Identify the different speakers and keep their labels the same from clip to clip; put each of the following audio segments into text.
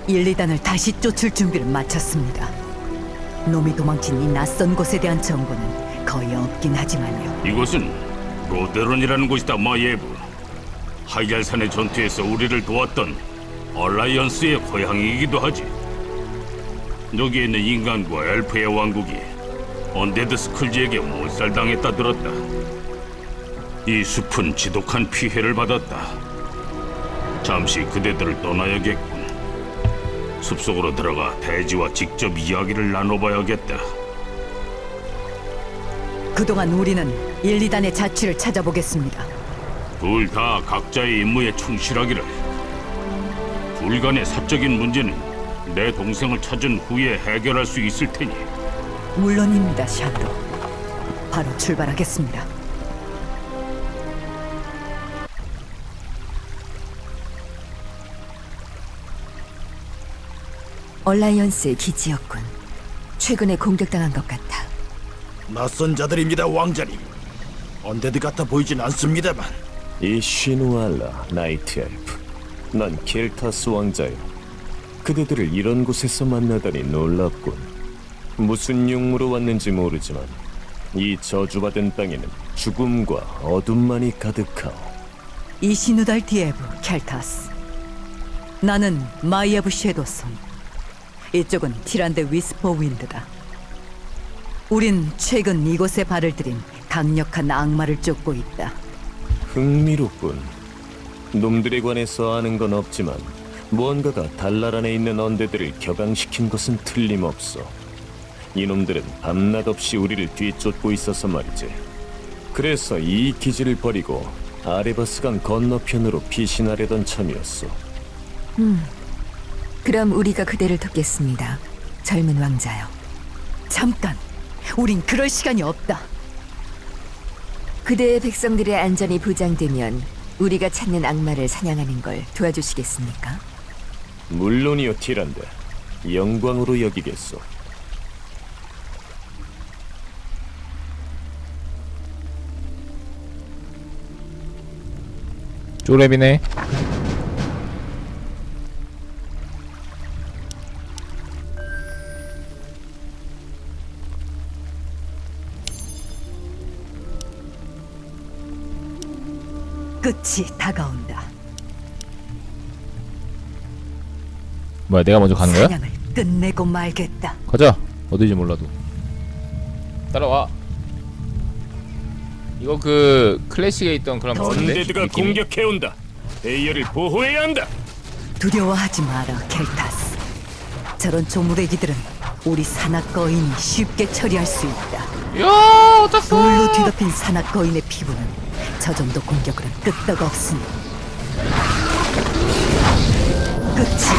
Speaker 1: 1, 2단을 다시 쫓을 준비를 마쳤습니다. 놈이 도망친 이 낯선 곳에 대한 정보는 거의 없긴 하지만요.
Speaker 2: 이곳은 로데론이라는 곳이다, 마예브. 하이잘산의 전투에서 우리를 도왔던 얼라이언스의 고향이기도 하지. 여기에 있는 인간과 엘프의 왕국이 언데드 스쿨지에게 몰살당했다 들었다. 이 숲은 지독한 피해를 받았다. 잠시 그대들을 떠나야겠군. 숲속으로 들어가 대지와 직접 이야기를 나눠봐야겠다.
Speaker 1: 그동안 우리는 1, 2단의 자취를 찾아보겠습니다.
Speaker 2: 둘 다 각자의 임무에 충실하기를. 둘 간의 사적인 문제는 내 동생을 찾은 후에 해결할 수 있을 테니.
Speaker 1: 물론입니다, 샤도. 바로 출발하겠습니다.
Speaker 3: 얼라이언스의 기지였군. 최근에 공격당한 것 같아.
Speaker 4: 낯선 자들입니다, 왕자님. 언데드 같아 보이진 않습니다만.
Speaker 5: 이 시누알라 나이트 엘프, 난 켈타스 왕자요. 그대들을 이런 곳에서 만나다니 놀랍군. 무슨 용무로 왔는지 모르지만 이 저주받은 땅에는 죽음과 어둠만이 가득하오.
Speaker 1: 이시누달 디에브 켈타스. 나는 마이에브 섀도손. 이쪽은 티란데 위스퍼 윈드다. 우린 최근 이곳에 발을 들인 강력한 악마를 쫓고 있다.
Speaker 5: 흥미롭군. 놈들에 관해서 아는 건 없지만 무언가가 달날 안에 있는 언데드를 격앙시킨 것은 틀림없어. 이놈들은 밤낮 없이 우리를 뒤쫓고 있어서 말이지. 그래서 이 기지를 버리고 아레바스강 건너편으로 피신하려던 참이었어.
Speaker 3: 그럼 우리가 그대를 돕겠습니다. 젊은 왕자요.
Speaker 1: 잠깐! 우린 그럴 시간이 없다.
Speaker 3: 그대의 백성들의 안전이 보장되면 우리가 찾는 악마를 사냥하는 걸 도와주시겠습니까?
Speaker 5: 물론이요, 티란데. 영광으로 여기겠소.
Speaker 6: 쪼렙이네.
Speaker 1: 끝이 다가온다.
Speaker 6: 뭐야, 내가 먼저 가는 거야?
Speaker 1: 사냥을 끝내고 말겠다.
Speaker 6: 가자. 어디지 몰라도 따라와. 이거 그 클래식에 있던 그런 버스인데?
Speaker 2: 언데드가
Speaker 6: 느낌이?
Speaker 2: 공격해온다. 데이어를 보호해야 한다.
Speaker 1: 두려워하지 마라, 켈타스. 저런 조무래기들은 우리 산악 거인이 쉽게 처리할 수 있다.
Speaker 6: 야, 어쩌어
Speaker 1: 돌로 뒤덮인 산악 거인의 피부는 저 정도 공격으로 끄떡 없으니 끝이.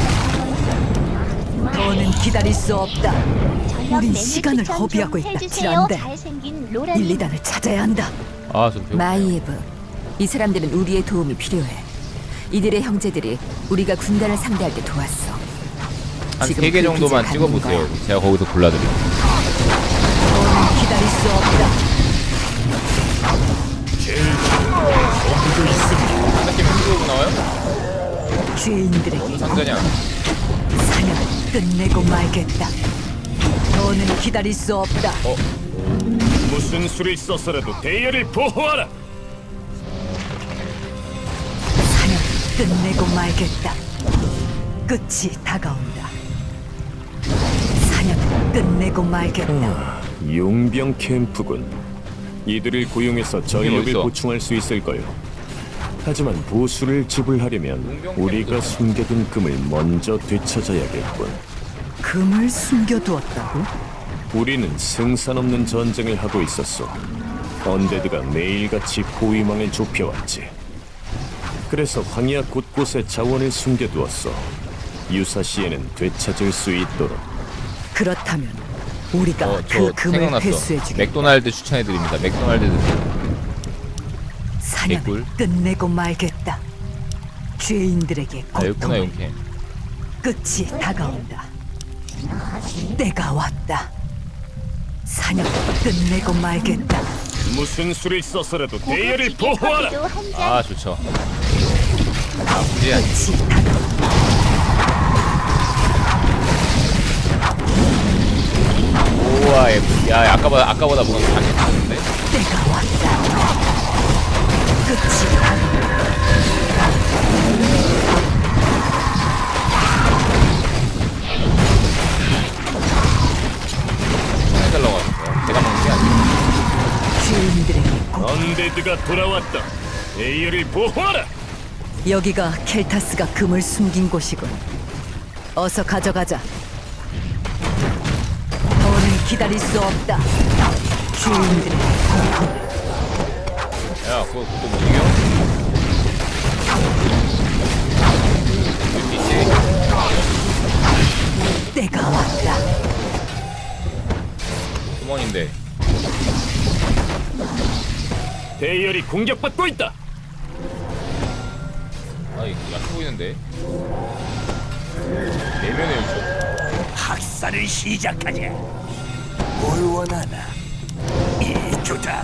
Speaker 1: 더는 기다릴 수 없다. 우린 시간을 허비하고 있다, 티란데. 1, 2단을 찾아야 한다.
Speaker 6: 아, 좀 배고프네.
Speaker 3: 마이에브, 이 사람들은 우리의 도움이 필요해. 이들의 형제들이 우리가 군단을 상대할 때 도왔어.
Speaker 6: 한
Speaker 3: 지금
Speaker 6: 3개
Speaker 3: 그
Speaker 6: 정도만
Speaker 3: 기지에
Speaker 6: 찍어보세요.
Speaker 3: 가는 거야.
Speaker 6: 제가 거기서 골라드릴게요.
Speaker 1: 더는 기다릴 수 없다.
Speaker 6: 상대팀 힘들고 나와요?
Speaker 1: 죄인들에게
Speaker 6: 상자냐?
Speaker 1: 사냥을 끝내고 말겠다. 더는 기다릴 수 없다.
Speaker 2: 무슨 수를 써서라도 데이어를 보호하라.
Speaker 1: 사냥을 끝내고 말겠다. 끝이 다가온다. 사냥을 끝내고 말겠다.
Speaker 5: 용병 캠프군. 이들을 고용해서 전력을
Speaker 6: 어딨어?
Speaker 5: 보충할 수 있을까요? 하지만 보수를 지불하려면 우리가 숨겨둔 금을 먼저 되찾아야겠군.
Speaker 1: 금을 숨겨두었다고?
Speaker 5: 우리는 승산 없는 전쟁을 하고 있었어. 언데드가 매일같이 포위망을 좁혀왔지. 그래서 황야 곳곳에 자원을 숨겨두었어. 유사시에는 되찾을 수 있도록.
Speaker 1: 그렇다면 우리가
Speaker 6: 저
Speaker 1: 그 금을
Speaker 6: 생각났어.
Speaker 1: 회수해주겠다.
Speaker 6: 맥도날드 추천해드립니다. 맥도날드 드세요.
Speaker 1: 사냥을
Speaker 6: 개꿀.
Speaker 1: 끝내고 말겠다. 죄인들에게
Speaker 6: 아, 여기구나,
Speaker 1: 고통을.
Speaker 6: 용캠.
Speaker 1: 끝이 다가온다. 때가 왔다. 사냥을 끝내고 말겠다.
Speaker 2: 무슨 수를 써서라도 데이어를 보호하라.
Speaker 6: 아, 좋죠. 나쁘지 않
Speaker 1: 끝이 다가온다.
Speaker 6: 우와 야 아까보다 뭔가 강해졌는데?
Speaker 1: 때가 왔다. 끝이다.
Speaker 6: 해달라고 하셨어요. 제가 먹는 게 아니에요.
Speaker 1: 주인들에게 꼭
Speaker 5: 언데드가 돌아왔다. 에이어를 보호하라.
Speaker 1: 여기가 켈타스가 금을 숨긴 곳이군. 어서 가져가자. 더는 기다릴 수 없다. 주인들의
Speaker 6: 야 그거 못 이겨? 이길 수 있지?
Speaker 1: 때가 왔다.
Speaker 6: 수mon인데
Speaker 5: 대열이 공격받고 있다.
Speaker 6: 아 이거 약해 보이는데? 내면의 요청
Speaker 4: 학살을 시작하자. 뭘 원하나? 이쪽다.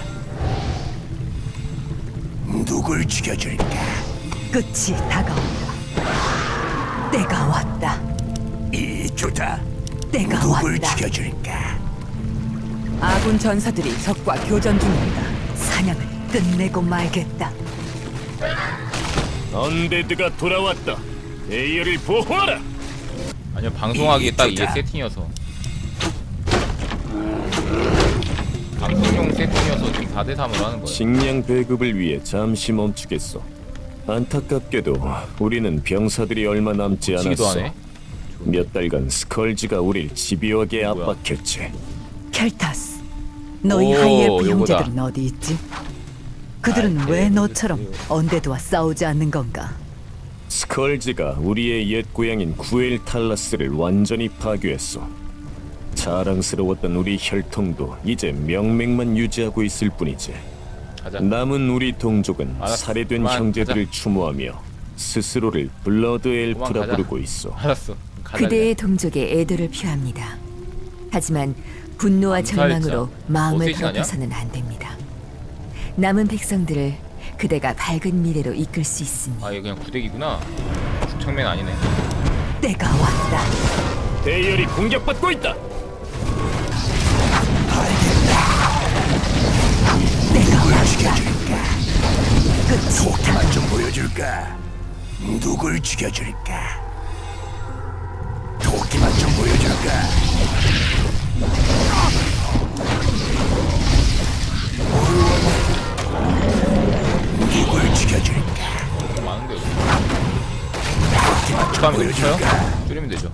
Speaker 4: 누굴 죽여줄까?
Speaker 1: 끝이 다가온다. 때가 왔다.
Speaker 4: 이쪽다.
Speaker 1: 때가
Speaker 4: 누굴
Speaker 1: 왔다.
Speaker 4: 죽여줄까?
Speaker 1: 아군 전사들이 적과 교전 중입니다. 사냥을 끝내고 말겠다.
Speaker 5: 언데드가 돌아왔다. 에이어를 보호하라.
Speaker 6: 아니요 방송하기 딱 이게 세팅이어서 방송용 세팅이어서 지금 4대3으로 하는 거예요.
Speaker 5: 식량 배급을 위해 잠시 멈추겠어. 안타깝게도 우리는 병사들이 얼마 남지
Speaker 6: 치기도
Speaker 5: 않았어.
Speaker 6: 하네.
Speaker 5: 몇 달간 스컬지가 우릴 집요하게
Speaker 6: 뭐야?
Speaker 5: 압박했지.
Speaker 1: 켈타스, 너희
Speaker 6: 오,
Speaker 1: 하이엘프
Speaker 6: 요거다.
Speaker 1: 형제들은 어디 있지? 그들은
Speaker 6: 아,
Speaker 1: 왜
Speaker 6: 네,
Speaker 1: 너처럼 언데드와 싸우지 않는 건가?
Speaker 5: 스컬지가 우리의 옛 고향인 구엘 탈라스를 완전히 파괴했어. 자랑스러웠던 우리 혈통도 이제 명맥만 유지하고 있을 뿐이지.
Speaker 6: 가자.
Speaker 5: 남은 우리 동족은
Speaker 6: 알았어.
Speaker 5: 살해된
Speaker 6: 그만,
Speaker 5: 형제들을 추모하며 스스로를 블러드 엘프라
Speaker 6: 가자.
Speaker 5: 부르고 있어.
Speaker 6: 알았어. 가자.
Speaker 3: 그대의 동족에 애도를 표합니다. 하지만 분노와
Speaker 6: 암살자.
Speaker 3: 절망으로 마음을
Speaker 6: 어쌔신 아니야?
Speaker 3: 더럽혀서는 안 됩니다. 남은 백성들을 그대가 밝은 미래로 이끌 수 있으니
Speaker 6: 아, 얘 그냥 구대기구나. 축청맨 아니네.
Speaker 1: 때가 왔다.
Speaker 5: 대열이 공격받고 있다.
Speaker 1: 때가
Speaker 4: 누굴
Speaker 1: 왔다.
Speaker 4: 죽여줄까?
Speaker 1: 끝이
Speaker 4: 도끼만 좀 보여줄까? 누굴 죽여줄까? 도끼만 좀 보여줄까? 누굴 죽여줄까?
Speaker 6: 좀 많은데 여기.
Speaker 4: 도끼만 좀
Speaker 6: 축하하면
Speaker 4: 보여줄까?
Speaker 6: 되죠? 줄이면 되죠.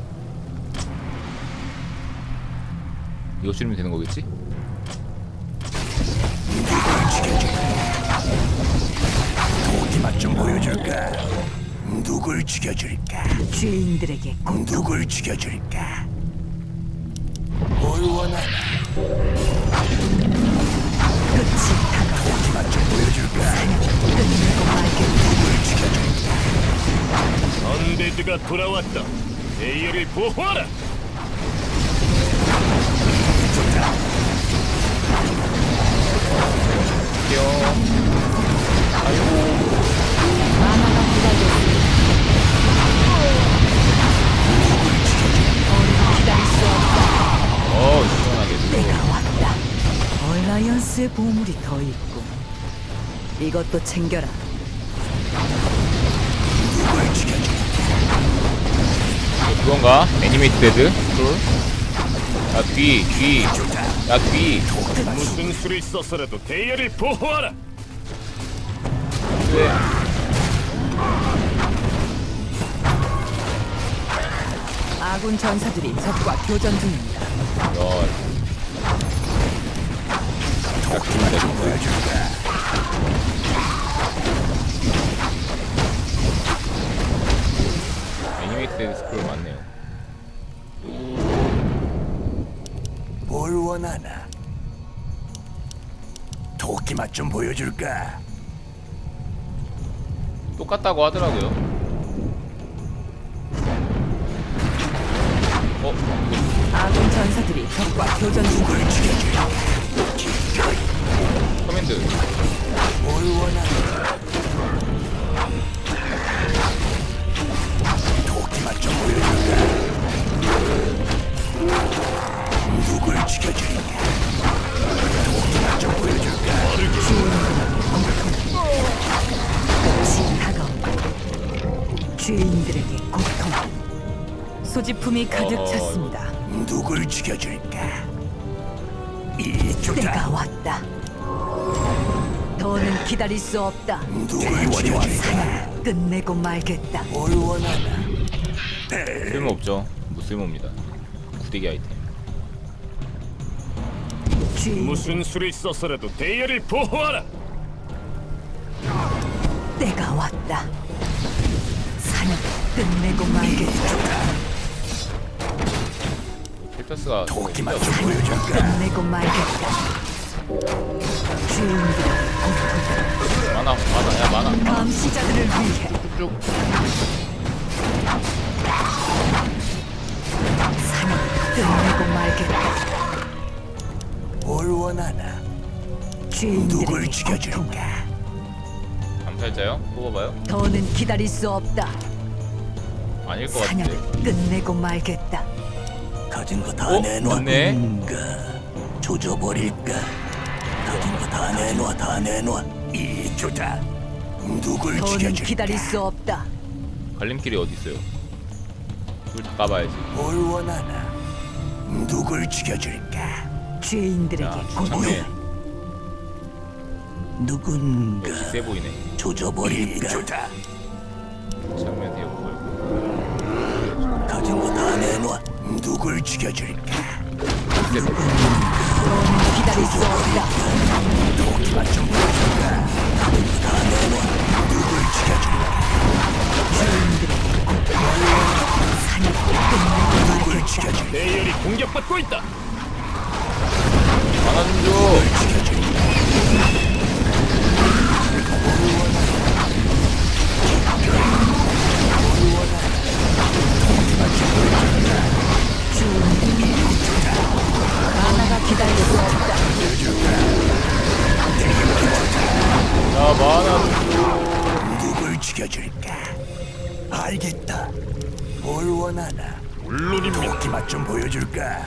Speaker 6: 이거 줄이면 되는 거겠지?
Speaker 4: 누굴 죽여줄까? 도끼만 좀 보여줄까? 누굴 죽여줄까?
Speaker 1: 주인들에게 꼭
Speaker 4: 누굴 죽여줄까? 뭘 원하나?
Speaker 1: 끝이 다가온다.
Speaker 4: 도끼만 좀 보여줄까?
Speaker 1: 끝내고 말겠다.
Speaker 4: 누굴 죽여줄까?
Speaker 5: 언데드가 돌아왔다. 에이어를 보호하라.
Speaker 1: 기다릴 수 없다.
Speaker 6: 시원하게.
Speaker 1: 때가 왔다. 얼라이언스의 보물이 더 있고 이것도 챙겨라.
Speaker 4: 누굴 죽여줄까?
Speaker 6: 이거 그건가? 애니메이트 데드? 스크롤? 야, 뒤. 야, 뒤.
Speaker 5: 무슨 수를 써서라도 대열을 보호하라.
Speaker 6: 왜?
Speaker 1: 아군 전사들이 적과 교전 중입니다.
Speaker 6: 야.
Speaker 4: 도끼만 좀 보여줄까?
Speaker 6: 애니메이트 데드 스크롤 맞네요.
Speaker 4: 뭘 원하나? 도끼만 좀 보여줄까?
Speaker 6: 똑같다고 하더라고요.
Speaker 1: 아군 전사들이 적과 교전 중입니다.
Speaker 4: 누굴 죽여줄까?
Speaker 6: 커맨드.
Speaker 4: 뭘 원하나? 도끼만 좀 보여줄까? 누굴 죽여줄까?
Speaker 1: 죄인들에게 고통. 소지품이 가득
Speaker 6: 어허.
Speaker 1: 찼습니다.
Speaker 4: 누굴 죽여줄까? 이
Speaker 1: 때가
Speaker 4: 좋다.
Speaker 1: 왔다. 더는 기다릴 수 없다.
Speaker 4: 누굴 죽여줄까?
Speaker 1: 끝내고 말겠다.
Speaker 4: 뭘 원하나?
Speaker 6: 쓸모없죠. 무쓸모입니다. 구대기 아이템.
Speaker 1: 죄인
Speaker 5: 무슨 수를 써서라도 대열을 보호하라.
Speaker 1: 때가 왔다. 사냥 끝내고 말겠다.
Speaker 6: 켈타스가
Speaker 4: 도끼만 좀 보여줄까?
Speaker 1: 끝내고 말겠다. 죄인들에게 고통.
Speaker 6: 많아 야 많아.
Speaker 1: 감시자들을 위해
Speaker 6: 쭉.
Speaker 1: 사냥 끝내고 말겠다.
Speaker 4: 뭘 원하나? 누굴
Speaker 1: 죄인들에게 고통을
Speaker 4: 죽여줄까?
Speaker 6: 암살자요? 뽑아봐요.
Speaker 1: 더는 기다릴 수 없다.
Speaker 6: 아닐 것
Speaker 1: 사냥을
Speaker 6: 같은데.
Speaker 1: 끝내고 말겠다.
Speaker 4: 가진 거 다
Speaker 6: 어?
Speaker 4: 내놔.
Speaker 6: 맞네.
Speaker 4: 조져버릴까? 가진 거 다 내놔, 다 내놔. 이 좋다. 누굴
Speaker 1: 더는
Speaker 4: 죽여줄까?
Speaker 1: 기다릴 수 없다.
Speaker 6: 갈림길이 어디 있어요? 불 다 까봐야지.
Speaker 4: 뭘 원하나? 누굴 죽여줄까?
Speaker 1: 죄인들에게
Speaker 6: 야,
Speaker 1: 고통.
Speaker 6: 좋네.
Speaker 4: 누군가
Speaker 6: 역시 세 보이네.
Speaker 4: 조져버릴까? 좋다.
Speaker 6: 장면 되어 보이고.
Speaker 4: 가진 거 다 내놔. 누굴 죽여줄까?
Speaker 1: 더는 기다릴 수 없다.
Speaker 4: 도끼만 좀 보여줄까? 가진 거 다 내놔. 누굴 죽여줄까?
Speaker 1: 죄인들에게 고통. 사냥 끝내고
Speaker 4: 누굴
Speaker 1: 말겠다.
Speaker 4: 죽여줄까?
Speaker 5: 대열이 공격받고 있다.
Speaker 6: 만화 좀 줘.
Speaker 1: 하나가 기다릴 수 없다.
Speaker 6: 야 만화 좀
Speaker 4: 누굴 죽여줄까? 알겠다. 뭘 원하나? 물론입니다. 도끼 맛 좀 보여줄까?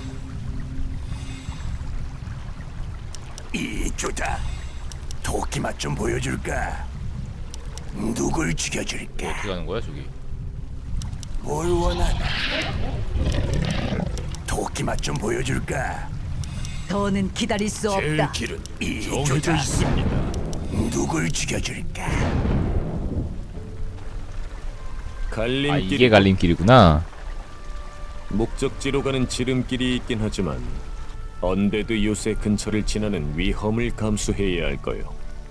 Speaker 4: 이 좋다. 도끼 맛 좀 보여줄까? 누굴 죽여줄까?
Speaker 6: 어떻게 가는 거야 저기?
Speaker 4: 뭘 원하나? 도끼 맛 좀 보여줄까?
Speaker 1: 더는 기다릴 수 없다.
Speaker 5: 길은
Speaker 4: 이
Speaker 5: 정해져
Speaker 4: 좋다.
Speaker 5: 있습니다.
Speaker 4: 누굴 죽여줄까?
Speaker 6: 아
Speaker 5: 갈림길
Speaker 6: 이게 갈림길이구나.
Speaker 5: 목적지로 가는 지름길이 있긴 하지만 언데드 요새 근처를 지나는 위험을 감수해야 할 거요.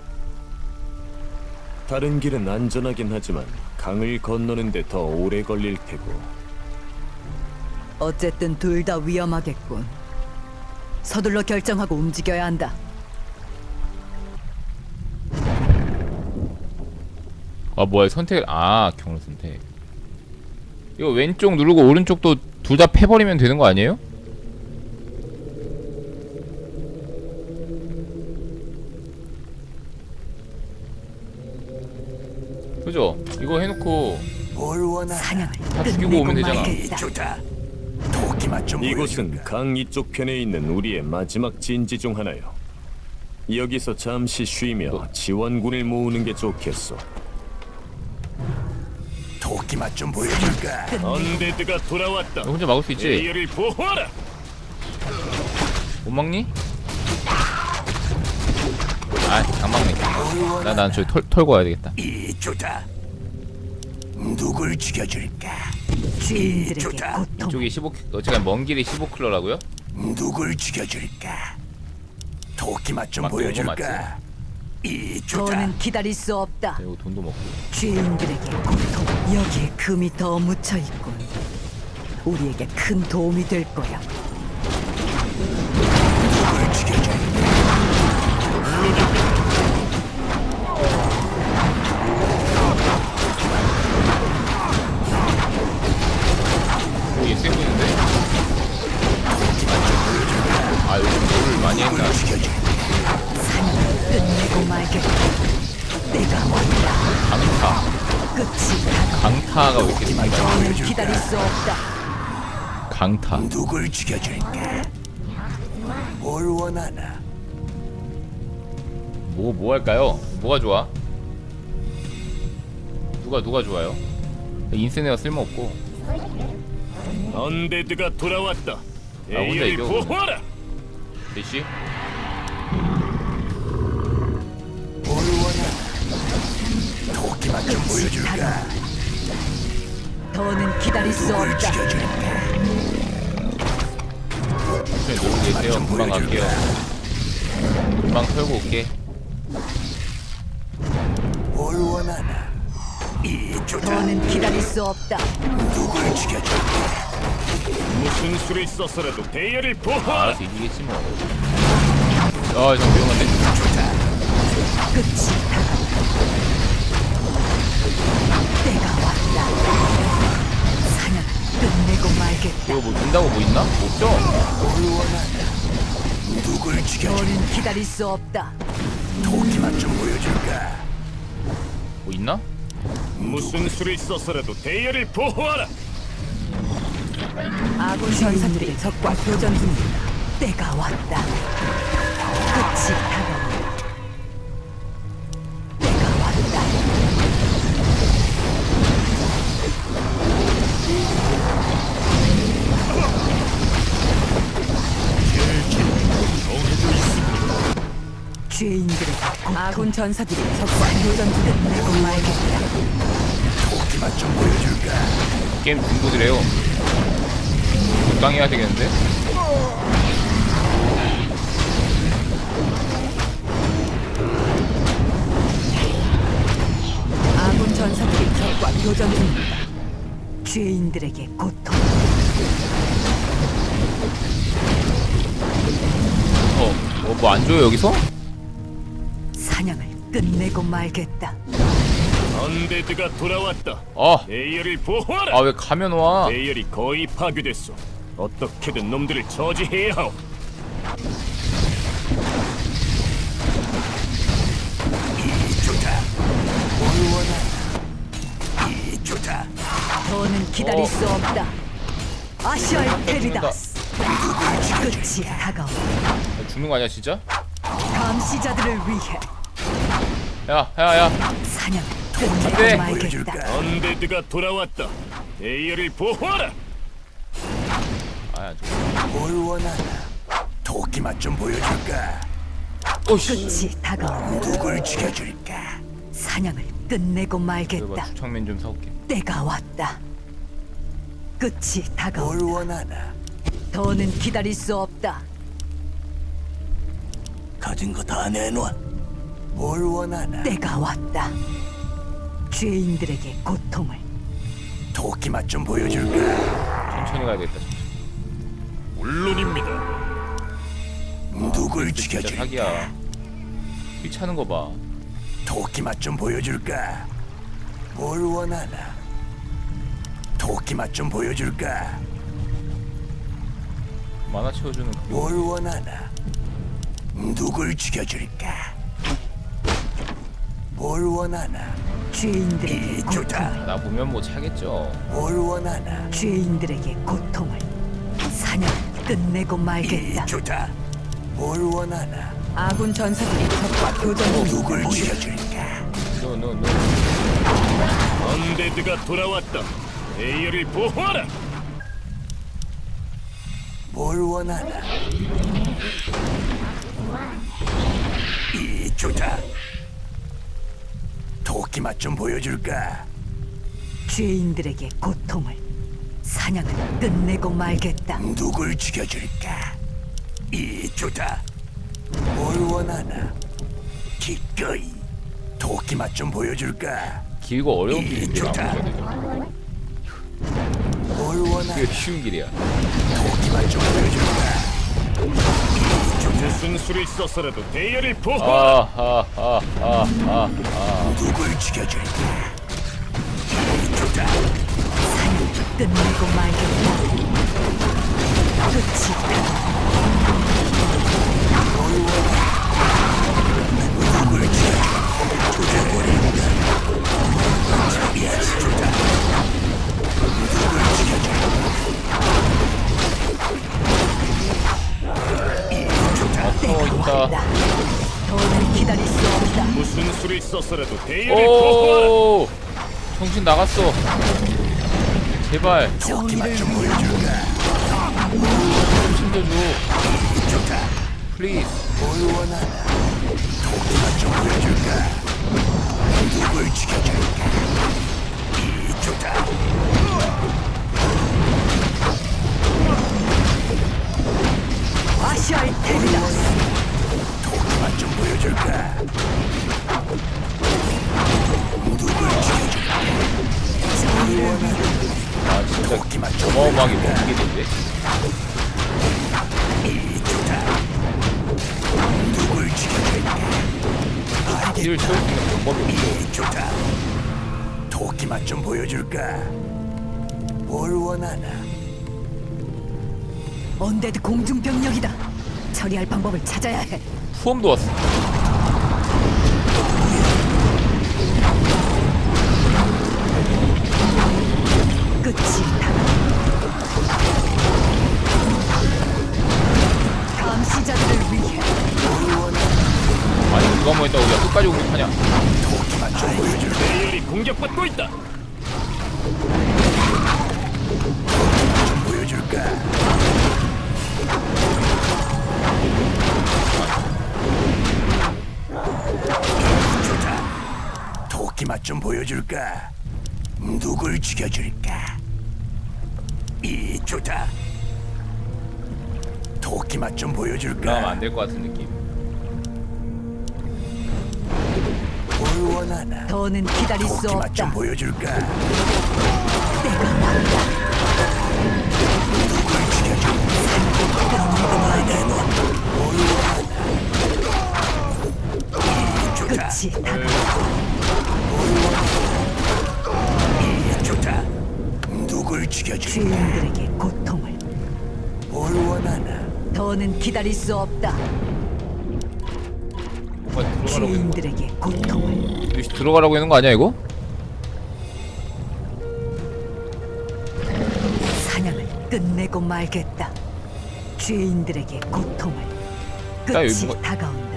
Speaker 5: 다른 길은 안전하긴 하지만 강을 건너는데 더 오래 걸릴 테고.
Speaker 1: 어쨌든 둘 다 위험하겠군. 서둘러 결정하고 움직여야 한다.
Speaker 6: 아 뭐야 선택. 아 경로 선택. 이거 왼쪽 누르고 오른쪽도 둘 다 패버리면 되는 거 아니에요? 그죠? 이거 해놓고
Speaker 4: 뭘 원하나?
Speaker 1: 사냥을
Speaker 6: 다 죽이고
Speaker 1: 끝내고
Speaker 6: 오면 되잖아.
Speaker 4: 이
Speaker 1: 말겠다.
Speaker 4: 좋다. 도끼 맛 좀
Speaker 5: 이곳은
Speaker 4: 보여줄까?
Speaker 5: 강 이쪽 편에 있는 우리의 마지막 진지 중 하나요. 여기서 잠시 쉬며 지원군을 모으는 게 좋겠어.
Speaker 4: 도끼 맛 좀 보여줄까?
Speaker 5: 언데드가 돌아왔다.
Speaker 6: 너 혼자 막을 수 있지?
Speaker 5: 대열을 보호하라.
Speaker 6: 못 막니? 아 장막네. 난 저기 털고 와야 되겠다.
Speaker 4: 이 좋다. 누굴 죽여줄까?
Speaker 1: 죄인들에게
Speaker 4: 좋다.
Speaker 1: 고통.
Speaker 6: 이쪽이 15 어쨌든 먼 길이 15킬로라고요?
Speaker 4: 누굴 죽여줄까? 도끼 맛 좀
Speaker 6: 맞고 이거
Speaker 4: 보여줄까? 이 좋다.
Speaker 1: 더는 기다릴 수 없다.
Speaker 6: 이거 돈도 먹고.
Speaker 1: 죄인들에게 고통. 여기에 금이 더 묻혀 있군. 우리에게 큰 도움이 될 거야.
Speaker 4: 누굴 죽여줄까?
Speaker 6: 이게 세 보이는데? 아 요즘 물을 많이 했나?
Speaker 4: 누굴 죽여줄까?
Speaker 1: 끝내고 말겠다. 때가 왔다.
Speaker 6: 강타.
Speaker 1: 끝이 다가.
Speaker 6: 강타가 왜 이렇게 생긴 거야?
Speaker 1: 더는 기다릴 수 없다.
Speaker 6: 강타.
Speaker 4: 누굴 죽여줄까? 뭘 원하나?
Speaker 6: 뭐 할까요? 뭐가 좋아? 누가 좋아요? 인센네어 쓸모없고.
Speaker 5: 언데드가 돌아왔다.
Speaker 6: 혼자
Speaker 5: 에이어를
Speaker 6: 이겨,
Speaker 5: 보호하라.
Speaker 6: 대시?
Speaker 4: 뭘 원하나? 도끼만 좀 보여줄까?
Speaker 1: 더는 기다릴 수
Speaker 4: 누굴
Speaker 1: 없다.
Speaker 4: 죽여줄까?
Speaker 6: 천천히 놀고 계세요. 금방 갈게요. 금방 털고 올게.
Speaker 4: 뭘 원하나? 이쪽다.
Speaker 1: 더는 기다릴 수 없다.
Speaker 4: 누굴 죽여줄까?
Speaker 5: 무슨 수를 써서라도 대열을 보호하라.
Speaker 6: 알아서 이기겠지 뭐. 아, 좀 위험한데?
Speaker 1: 끝이 다가온다. 때가 왔다. 사냥 끝내고 말겠다.
Speaker 6: 이거 뭐 준다고 뭐 있나? 없죠?
Speaker 4: 뭘 원하나? 누굴 죽여줄까?
Speaker 1: 더는 기다릴 수 없다.
Speaker 4: 도끼만 좀 보여줄까?
Speaker 6: 뭐 있나?
Speaker 5: 무슨 수를 써서라도 대열을 보호하라.
Speaker 1: 아군 전사들이 적과 교전 중이다. 때가 왔다. 끝이 다가온다. 때가 왔다. 죄인들의 아군 전사들이 적과 교전 중이다. 끝내고 말겠다.
Speaker 4: 도끼만 좀 보여줄까?
Speaker 6: 게임 중독이래요. 적당히 해야 되겠는데?
Speaker 1: 아군 전사들이 적과 교전 중이다. 죄인들에게 고통.
Speaker 6: 뭐 안 줘요 여기서?
Speaker 1: 사냥을 끝내고 말겠다.
Speaker 5: 언데드가 돌아왔다.
Speaker 6: 아,
Speaker 5: 대열을 보호하라.
Speaker 6: 아 왜 가면 와?
Speaker 5: 대열이 거의 파괴됐어. 어떻게든 놈들을 저지해야 하오.
Speaker 4: 이쪽다. 뭘 원하나? 이쪽다.
Speaker 1: 더는 기다릴
Speaker 6: 어.
Speaker 1: 수 없다. 아시아의 테리다스.
Speaker 4: 누굴 죽여줄까?
Speaker 1: 끝이 다가온다.
Speaker 6: 죽는 거 아니야 진짜?
Speaker 1: 감시자들을 위해
Speaker 6: 야.
Speaker 1: 사냥을
Speaker 6: 안 돼.
Speaker 1: 끝내고 말겠다.
Speaker 4: 보여줄까?
Speaker 5: 언데드가 돌아왔다. 대열을 보호하라.
Speaker 6: 아, 저.
Speaker 4: 뭘 원하나? 도끼만 좀 보여줄까?
Speaker 6: 오씨.
Speaker 1: 끝이 다가온다.
Speaker 4: 누굴 죽여줄까?
Speaker 1: 사냥을 끝내고
Speaker 6: 그래봐
Speaker 1: 말겠다.
Speaker 6: 주창면 좀 사올게.
Speaker 1: 때가 왔다. 끝이
Speaker 4: 뭘
Speaker 1: 다가온다.
Speaker 4: 원하나?
Speaker 1: 더는 기다릴 수 없다.
Speaker 4: 가진 거 다 내놔. 뭘 원하나?
Speaker 1: 때가 왔다. 죄인들에게 고통을.
Speaker 4: 도끼만 좀 보여줄까?
Speaker 6: 천천히 가야겠다.
Speaker 5: 물론입니다.
Speaker 4: 누굴
Speaker 6: 진짜
Speaker 4: 죽여줄까?
Speaker 6: 사기야. 휘차는 거 봐.
Speaker 4: 도끼만 좀 보여줄까? 뭘 원하나? 도끼만 좀 보여줄까?
Speaker 6: 만화 채워주는 그게
Speaker 4: 뭘 원하나? 누굴 죽여줄까? 뭘 원하나?
Speaker 1: 죄인들에게
Speaker 4: 이쪽다.
Speaker 1: 고통을.
Speaker 6: 나 보면 뭐 차겠죠.
Speaker 4: 뭘 원하나?
Speaker 1: 죄인들에게 고통을. 사냥을 끝내고 말겠다.
Speaker 4: 이쪽다. 뭘 원하나?
Speaker 1: 아군 전사들이 적과 교전 중이다.
Speaker 4: 누굴 죽여줄까?
Speaker 6: 노.
Speaker 5: 언데드가 돌아왔다. 대열을 보호하라.
Speaker 4: 뭘 원하나? 이쪽다. 도끼 맛 좀 보여줄까?
Speaker 1: 죄인들에게 고통을. 사냥을 끝내고 말겠다.
Speaker 4: 누굴 죽여줄까? 이쪽다. 뭘 원하나? 기꺼이 도끼 맛 좀 보여줄까?
Speaker 6: 길고 어려운 길인데
Speaker 4: 좋다.
Speaker 6: 아무래도 되죠.
Speaker 4: 뭘 원하나?
Speaker 6: 그게 쉬운 길이야.
Speaker 4: 도끼 맛 좀 보여줄까?
Speaker 5: 무슨 수를 써서라도 대열을 보호하라.
Speaker 4: 누굴 죽여줄까? 이쪽다.
Speaker 1: 사냥을 끝내고 말겠다. 끝이
Speaker 4: 누굴 죽여? 조져버린다. 이쪽다. 누굴 죽여줄까?
Speaker 6: 어 있다.
Speaker 1: 더는 기다릴 수 없다.
Speaker 5: 무슨 수를 써서라도 대열을 보호하라.
Speaker 6: 오 정신 나갔어. 제발
Speaker 4: 도끼만 좀 보여줄까?
Speaker 6: 좀 챙겨줘.
Speaker 4: 좋다.
Speaker 6: 플리즈.
Speaker 4: 뭘 원하나? 도끼만 좀 보여줄까? 누굴 죽여줄까? 좋다.
Speaker 1: 아시아의 테리다.
Speaker 4: 도끼만 좀 보여줄까? 누굴 죽여줄까?
Speaker 6: 아 진짜
Speaker 4: 도끼만 좀
Speaker 6: 어마어마하게
Speaker 4: 보여줄까?
Speaker 6: 먹히게 된대.
Speaker 4: 좋다. 누굴 죽여줄까?
Speaker 6: 딜을 채울 수 있는 방법이 없어.
Speaker 4: 좋다. 도끼만 좀 보여줄까? 뭘 원하나?
Speaker 1: 언데드 공중병력이다. 처리할 방법을 찾아야 해.
Speaker 6: 후엄도 왔어.
Speaker 1: 끝이 다가. 감시자들을 위해
Speaker 6: 아니 누가 뭐 했다고 야 끝까지 공격하냐.
Speaker 4: 도끼만 좀 보여줄까?
Speaker 2: 대열이 공격받고 있다.
Speaker 4: 좀 보여줄까? 좋다. 도끼맛 좀 보여줄까? 누굴 죽여줄까? 좋다. 도끼맛 좀
Speaker 6: 올라가면
Speaker 4: 보여줄까?
Speaker 6: 안 될 것 같은 느낌.
Speaker 4: 뭘 원하나?
Speaker 1: 더는 기다릴 수
Speaker 4: 도끼맛 좀
Speaker 1: 없다.
Speaker 4: 보여줄까?
Speaker 1: 때가 왔다.
Speaker 4: 누굴 죽여줄까? 내놓. 뭘 원하나? 좋다.
Speaker 1: 끝이 다가.
Speaker 4: 좋다. 누굴 죽여줄까?
Speaker 1: 죄인들에게 고통을.
Speaker 4: 뭘 원하나?
Speaker 1: 더는 기다릴 수 없다.
Speaker 6: 뭔가 들어가라고 했는 거.
Speaker 1: 죄인들에게 고통을.
Speaker 6: 역시 들어가라고 했는 거 아니야 이거?
Speaker 1: 사냥을 끝내고 말겠다. 죄인들에게 고통을.
Speaker 6: 야, 여기
Speaker 1: 끝이
Speaker 6: 뭐가-
Speaker 1: 다가온다.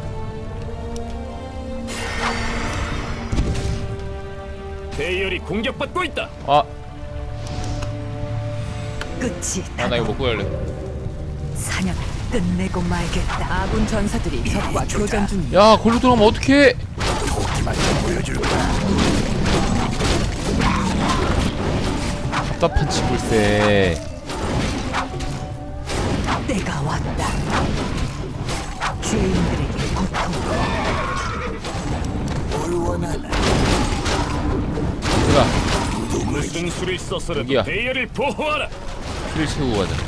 Speaker 2: 대열이 공격받고 있다.
Speaker 6: 아,
Speaker 1: 끝이
Speaker 6: 아 나 이거
Speaker 1: 다가온다.
Speaker 6: 먹고 갈래.
Speaker 1: 사냥을 끝내고 말겠다.
Speaker 3: 아군 전사들이 적과 교전 중이야.
Speaker 6: 야 걸로 들어가면 어떡해?
Speaker 4: 도끼맛 좀 보여줄까?
Speaker 6: 답답한 치불세.
Speaker 1: 때가 왔다. 죄인들에게 고통을.
Speaker 4: 뭘 원하나?
Speaker 6: 얘들아
Speaker 2: 무슨 수를 써서라도
Speaker 6: 여기야.
Speaker 2: 대열을 보호하라.
Speaker 6: 피를 채우고 가자.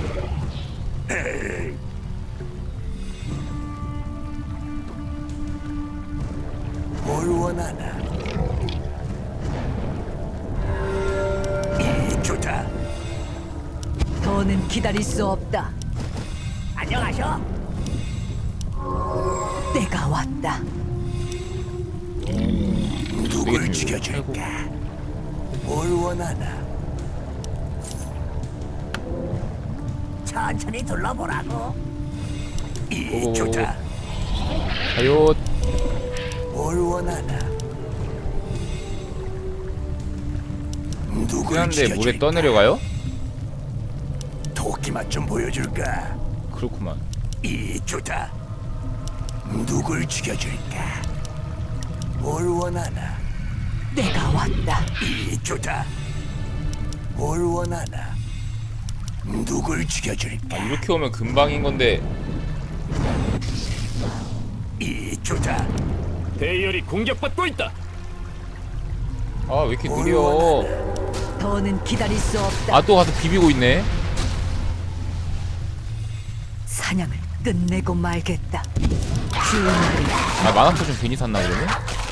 Speaker 4: 뭘 원하나? 좋다.
Speaker 1: 더는 기다릴 수 없다. 안녕하셔. 때가 왔다.
Speaker 4: 누굴 죽여줄까? 뭘 원하나? 천천히 둘러보라고.
Speaker 6: 오오오.
Speaker 4: 좋다.
Speaker 6: 가요.
Speaker 4: 뭘 원하나? 누굴
Speaker 6: 그런데 물에
Speaker 4: 죽여줄까?
Speaker 6: 떠내려가요?
Speaker 4: 도끼맛 좀 보여줄까?
Speaker 6: 그렇구만.
Speaker 4: 좋다. 누굴 죽여줄까? 뭘 원하나?
Speaker 1: 때가 왔다.
Speaker 4: 좋다. 뭘 원하나? 누굴 죽여줄까?
Speaker 6: 아 이렇게 오면 금방인 건데.
Speaker 4: 좋다.
Speaker 2: 대열이 공격받고 있다.
Speaker 6: 아 왜 이렇게
Speaker 4: 뭘
Speaker 6: 느려?
Speaker 4: 원하나?
Speaker 1: 더는 기다릴 수 없다.
Speaker 6: 아 또 가서 비비고 있네.
Speaker 1: 사냥을 끝내고 말겠다. 죄인들에게
Speaker 6: 아 만화터 좀 괜히 샀나 그러면?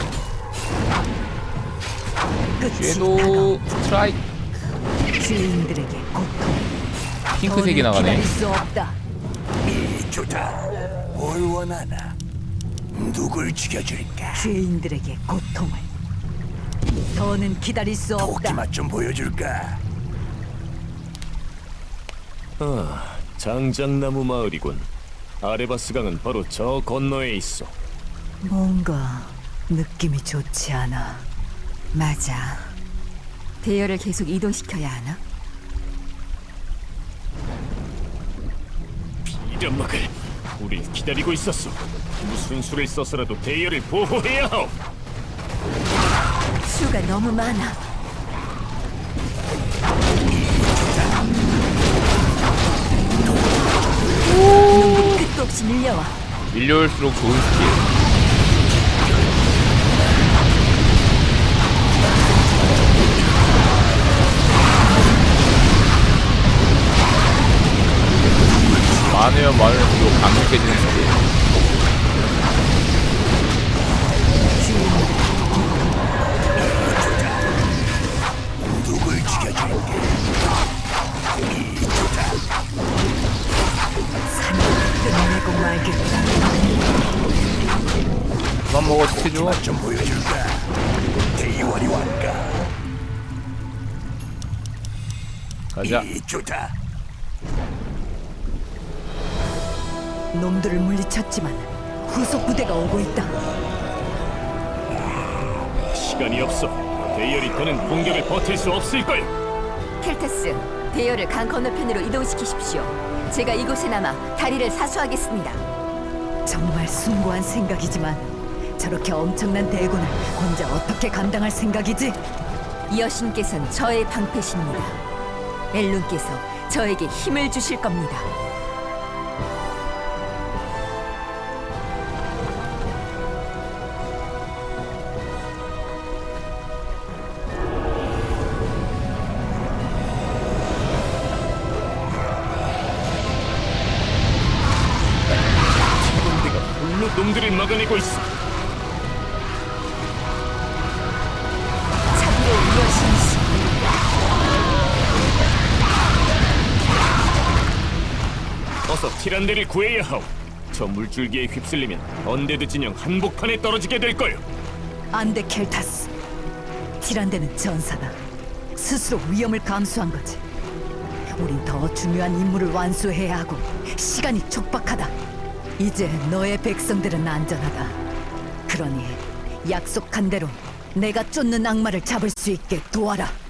Speaker 1: 끝이
Speaker 6: 쟤도
Speaker 1: 다가온다.
Speaker 6: 스트라이크.
Speaker 1: 죄인들에게 고통을.
Speaker 6: 핑크색이
Speaker 1: 더는
Speaker 6: 나가네.
Speaker 1: 기다릴 수 없다.
Speaker 4: 좋다. 뭘 원하나? 누굴 죽여줄까?
Speaker 1: 죄인들에게 고통을. 더는 기다릴 수 없다.
Speaker 4: 도끼맛 좀 보여줄까?
Speaker 5: 장작나무 마을이군. 아레바스 강은 바로 저 건너에 있어.
Speaker 1: 뭔가 느낌이 좋지 않아. 맞아.
Speaker 3: 대열을 계속 이동시켜야 하나?
Speaker 5: 이런막을 우릴 기다리고 있었어. 무슨 수를 써서라도 대열을 보호해야 하오.
Speaker 3: 수가 너무 많아. 놈들이 끝도 없이 밀려와.
Speaker 6: 밀려올수록 좋은 스킬. 많으면 많을수록 강력해지는 스킬.
Speaker 4: 누굴 죽여줄게.
Speaker 1: 끝내고 말겠다.
Speaker 6: 그만 먹어 스킬 줘.
Speaker 4: 좀 보여줄까? 대원이 왕가.
Speaker 6: 가자.
Speaker 4: 이쪽다.
Speaker 1: 놈들을 물리쳤지만 후속 부대가 오고 있다.
Speaker 5: 시간이 없어. 대열이 더는 공격을 버틸 수 없을 걸.
Speaker 3: 켈타스, 대열을 강 건너편으로 이동시키십시오. 제가 이곳에 남아 다리를 사수하겠습니다.
Speaker 1: 정말 숭고한 생각이지만 저렇게 엄청난 대군을 혼자 어떻게 감당할 생각이지?
Speaker 3: 여신께서는 저의 방패십니다. 엘룬께서 저에게 힘을 주실 겁니다.
Speaker 5: 군대가 홀로 놈들을 막아내고 있어.
Speaker 3: 자비로운 여신이시.
Speaker 5: 어서 티란데를 구해야 하오. 저 물줄기에 휩쓸리면 언데드 진영 한복판에 떨어지게 될 거요.
Speaker 1: 안돼 켈타스. 티란데는 전사다. 스스로 위험을 감수한 거지. 우린 더 중요한 임무를 완수해야 하고 시간이 촉박하다. 이제 너의 백성들은 안전하다. 그러니 약속한 대로 내가 쫓는 악마를 잡을 수 있게 도와라.